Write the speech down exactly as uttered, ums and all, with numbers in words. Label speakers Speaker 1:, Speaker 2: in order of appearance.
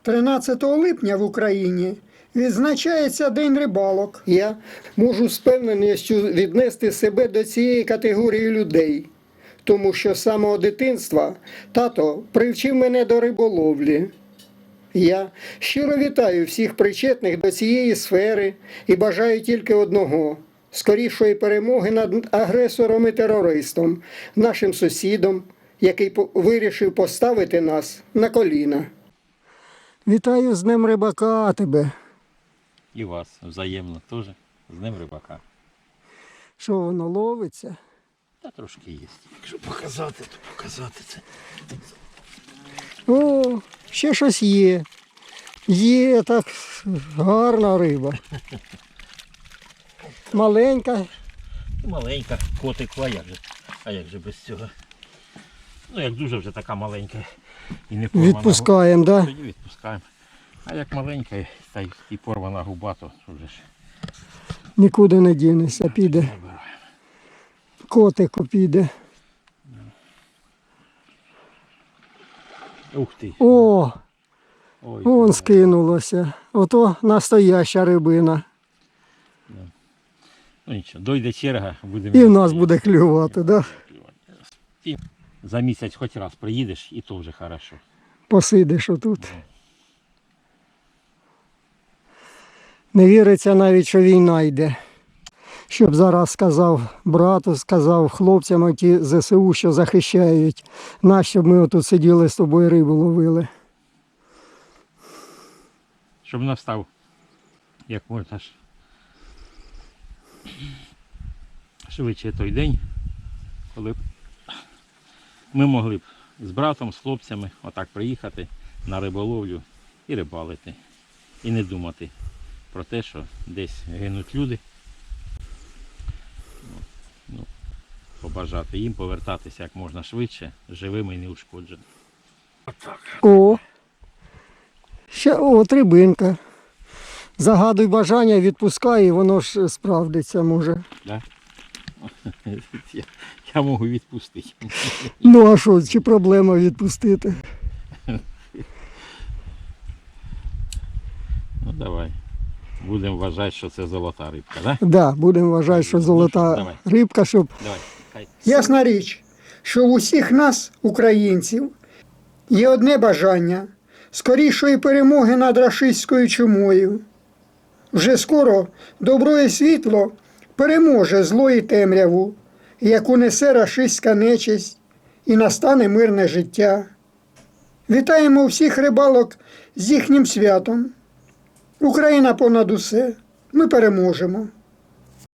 Speaker 1: тринадцятого липня в Україні відзначається День рибалок.
Speaker 2: Я можу з певненістю віднести себе до цієї категорії людей, тому що з самого дитинства тато привчив мене до риболовлі. Я щиро вітаю всіх причетних до цієї сфери і бажаю тільки одного – скорішої перемоги над агресором і терористом, нашим сусідом, який вирішив поставити нас на коліна.
Speaker 1: Вітаю з Днем рибака тебе.
Speaker 3: І вас взаємно теж з Днем рибака.
Speaker 1: Що воно ловиться?
Speaker 3: Та трошки є. Якщо показати, то показати це.
Speaker 1: О, ще щось є. Є так гарна риба. Маленька.
Speaker 3: Маленька, котик, а як же, а як же без цього? Ну, як дуже вже така маленька і не порвана.
Speaker 1: Відпускаємо, так? Да?
Speaker 3: Тоді відпускаємо. А як маленька та й і порвана губа, то вже ж
Speaker 1: Нікуди не дінешся, піде.
Speaker 3: забираємо.
Speaker 1: Котику піде.
Speaker 3: Ух ти.
Speaker 1: О,
Speaker 3: Ой,
Speaker 1: вон
Speaker 3: ой.
Speaker 1: скинулося. Ото настояща рибина.
Speaker 3: Ну нічого, дойде черга, будемо.
Speaker 1: І в нас буде клювати, да?
Speaker 3: Ти за місяць хоч раз приїдеш, і то вже хорошо.
Speaker 1: Посидиш отут. Не віриться навіть, що війна йде. Щоб зараз сказав брату, сказав хлопцям, ті зе се у, що захищають нас, щоб ми отут сиділи з тобою рибу ловили.
Speaker 3: Щоб настав, як можна ж швидше той день, коли б ми могли б з братом, з хлопцями отак приїхати на риболовлю і рибалити. І не думати про те, що десь гинуть люди. Ну, побажати їм повертатися як можна швидше, живими і неушкодженими. Отак.
Speaker 1: О, ще от рибинка. Загадуй бажання, відпускай, і воно ж справдиться може.
Speaker 3: Да? Я, я можу відпустити.
Speaker 1: Ну а що, чи проблема відпустити?
Speaker 3: Ну давай. Будемо вважати, що це золота рибка, так? Да?
Speaker 1: Так, да, будемо вважати, що золота
Speaker 3: Давай.
Speaker 1: рибка, щоб...
Speaker 3: Давай. Хай.
Speaker 1: Ясна річ, що в усіх нас, українців, є одне бажання – скорішої перемоги над рашистською чумою. Вже скоро добро і світло переможе зло і темряву, яку несе рашистська нечисть, і настане мирне життя. Вітаємо всіх рибалок з їхнім святом. Україна понад усе. Ми переможемо.